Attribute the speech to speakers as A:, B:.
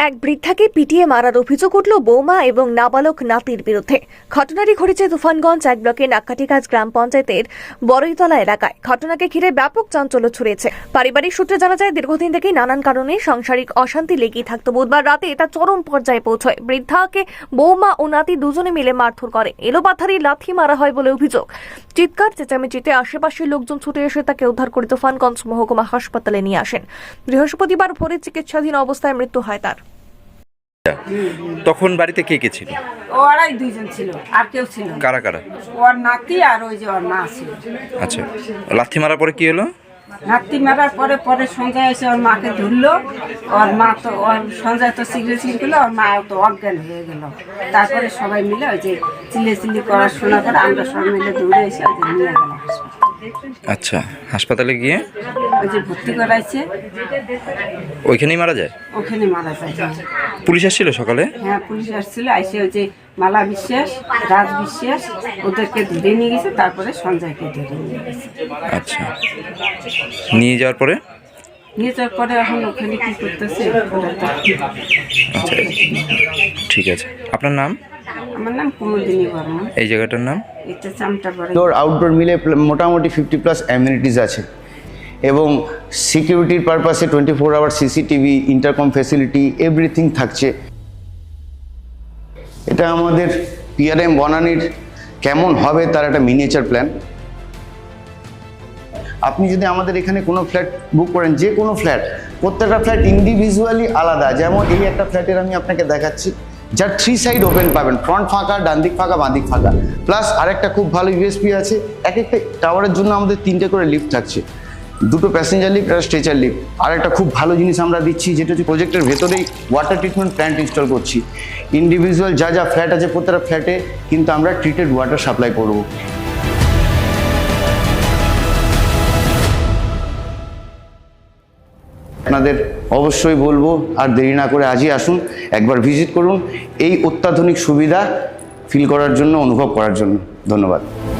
A: এক বৃদ্ধাকে পিটিয়ে মারার অভিযোগ উঠল বৌমা এবং নাবালক নাতির বিরুদ্ধে। ঘটনাটি ঘটেছে তুফানগঞ্জ 1 ব্লকের নাক্কাটিকাজ গ্রাম পঞ্চায়েতের বড়ইতলা এলাকায়। ঘটনাকে ঘিরে ব্যাপক চাঞ্চল্য ছড়িয়েছে। পারিবারিক সূত্রে জানা যায়, দীর্ঘদিন থেকেই নানান কারণে সাংসারিক অশান্তি লেগেই থাকতো। বুধবার রাতে এটা চরম পর্যায়ে পৌঁছয়। বৃদ্ধাকে বৌমা ও নাতি দুজনে মিলে মারধর করে। এলোপাথারি লাথি মারা হয় বলে অভিযোগ। চিৎকার চেঁচামেচিতে আশেপাশের লোকজন ছুটে এসে তাকে উদ্ধার করে তুফানগঞ্জ মহকুমা হাসপাতালে নিয়ে আসেন। বৃহস্পতিবার ভোরে চিকিৎসাধীন অবস্থায় মৃত্যু হয় তার।
B: তখন বাড়িতে কে কে ছিল?
C: ওরাই দুইজন ছিল, আর কেউ ছিল না।
B: কারা কারা?
C: ওর নাতি আর ওই যে ওর মা ছিল।
B: আচ্ছা, লাথি মারার পরে কি হলো?
C: নাতি মারার পরে সঞ্জয় এসে ওর মাকে ধরলো। ওর মা তো ওর সঞ্জয় তো সিগারেট করলো, ওর মা তো অজ্ঞান হয়ে গেল। তারপরে সবাই মিলে ওই যে চিল্লি করার শোনা করে আমরা সবাই মিলে দৌড়ে এসে নিয়ে গেলাম।
B: আচ্ছা, হাসপাতালে গিয়ে
C: ওই যে ভর্তি করাইছে,
B: ওইখানেই মারা যায়?
C: ওখানে মারা যায়।
B: পুলিশ আসছিল সকালে?
C: হ্যাঁ, পুলিশ আসছিল। এসে ওই যে মালা বিশ্বাস, রাজ বিশ্বাস ওদেরকে ধরে নিয়ে গেছে। তারপরে সঞ্জয়কে ধরে নিয়ে গেছে।
B: আচ্ছা, নিয়ে যাওয়ার পরে
C: নিয়ে যাওয়ার পরে এখন ওখানে কি করতেছে?
B: আচ্ছা, ঠিক আছে। আপনার নাম?
C: আমার নাম কুমুদিনী বর্মা।
B: এই জায়গাটার নাম?
C: এটা চামটাপাড়া।
D: ইনডোর আউটডোর মিলে মোটামুটি 50+ অ্যামিনিটিস আছে এবং সিকিউরিটির পারপাসে 24 hour CCTV, intercom facility, everything থাকছে। এটা আমাদের পিআরএম বনানীর কেমন হবে তার একটা মিনিয়েচার প্ল্যান। আপনি যদি আমাদের এখানে কোনো ফ্ল্যাট বুক করেন, যে কোনো ফ্ল্যাট, প্রত্যেকটা ফ্ল্যাট ইন্ডিভিজুয়ালি আলাদা। যেমন এই একটা ফ্ল্যাটের আমি আপনাকে দেখাচ্ছি, যার 3 সাইড ওপেন পাবেন, ফ্রন্ট ফাঁকা, ডান দিক ফাঁকা, বাঁ দিক ফাঁকা। প্লাস আরেকটা খুব ভালো ইউএসপি আছে, এক একটা টাওয়ারের জন্য আমাদের 3টে করে লিফট থাকছে, 2টো প্যাসেঞ্জার লিফট আর স্ট্রেচার লিফট। আর একটা খুব ভালো জিনিস আমরা দিচ্ছি, যেটা হচ্ছে প্রজেক্টের ভেতরেই ওয়াটার ট্রিটমেন্ট প্ল্যান্ট ইনস্টল করছি। ইন্ডিভিজুয়াল যা ফ্ল্যাট আছে প্রত্যেকটা ফ্ল্যাটে কিন্তু আমরা ট্রিটেড ওয়াটার সাপ্লাই করব। আপনাদের অবশ্যই বলবো, আর দেরি না করে আজই আসুন, একবার ভিজিট করুন, এই অত্যাধুনিক সুবিধা ফিল করার জন্য, অনুভব করার জন্য। ধন্যবাদ।